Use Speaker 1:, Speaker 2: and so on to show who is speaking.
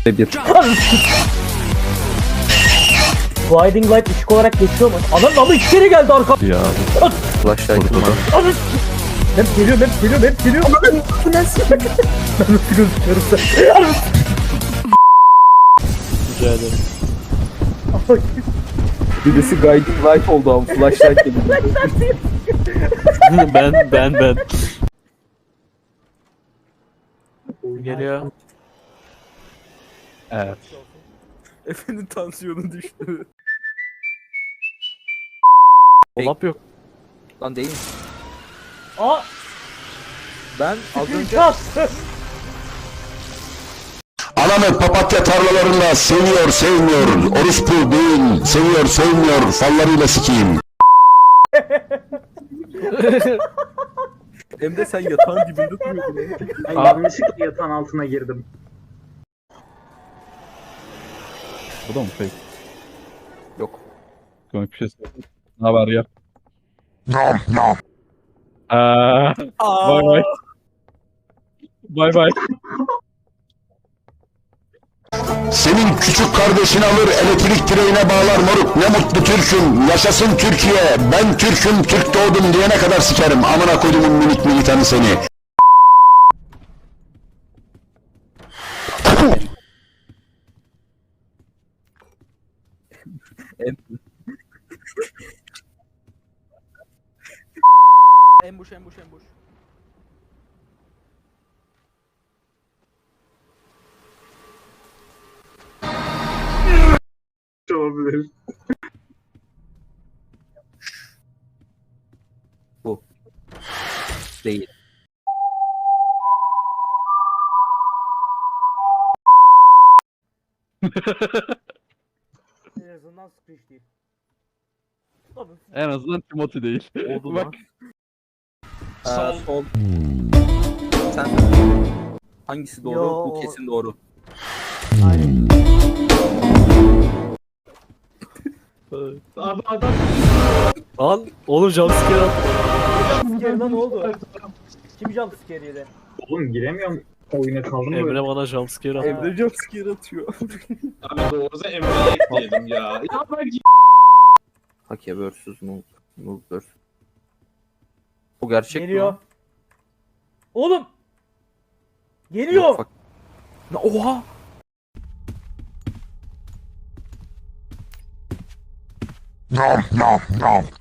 Speaker 1: Bir.
Speaker 2: Blinding Light ışık olarak geçiyor mu? Anam ama iki kere geldi arka.
Speaker 1: Ya.
Speaker 3: Flashlight'ım var.
Speaker 2: Anam. Hep geliyor. Bu nasıl? Ben nasıl gözüküyorum sen?
Speaker 4: Rica ederim.
Speaker 1: Birisi guiding light oldu ama flashlight gibi.
Speaker 4: ben. Geliyor.
Speaker 1: Evet.
Speaker 3: Efe'nin tansiyonu düştü.
Speaker 4: Dolap yok.
Speaker 3: Lan değil.
Speaker 2: Aa.
Speaker 3: Ben az önce...
Speaker 5: Anamı papatya tarlalarında seviyor sevmiyor, orospu değil, seviyor sevmiyor, fallarıyla sikeyim.
Speaker 3: Hem de sen yatağın dibinde duruyordun.
Speaker 6: Ben yanlışlıkla yatağın altına girdim.
Speaker 1: Bu da mı fake?
Speaker 3: Yok.
Speaker 1: Komik bir şey söyleyeyim. Ne haber ya?
Speaker 5: Nom nom.
Speaker 1: Bay bay. Bay bay.
Speaker 5: Senin küçük kardeşini alır elektrik direğine bağlar moruk, ne mutlu Türk'üm, yaşasın Türkiye, ben Türk'üm, Türk doğdum diyene kadar sikerim, amına koyduğumun minik militanı seni.
Speaker 3: Ambush.
Speaker 6: Olabilir.
Speaker 3: Bu. Değil.
Speaker 2: En azından screech değil. Tabii.
Speaker 1: En azından Timothy değil.
Speaker 4: Oldu
Speaker 1: Bak.
Speaker 4: lan.
Speaker 3: Sol. Sen... Hangisi doğru?
Speaker 2: Yo.
Speaker 3: Bu kesin doğru.
Speaker 2: Aynen.
Speaker 4: Lan oğlum jumpscare attı.
Speaker 2: Jumpscare lan ne oldu? Kim jumpscare yedi?
Speaker 6: Oğlum giremiyorum. Oyuna kaldım böyle.
Speaker 4: Emre bana jumpscare attı.
Speaker 3: Emre jumpscare atıyor.
Speaker 7: Abi doğrusu Emre'ye ekleyelim ya.
Speaker 3: Hake vs. Noob vs. Bu gerçek
Speaker 2: Geliyor.
Speaker 3: mi?
Speaker 2: Oğlum. Geliyor.
Speaker 3: Yok, oha!
Speaker 5: Nom nom nom.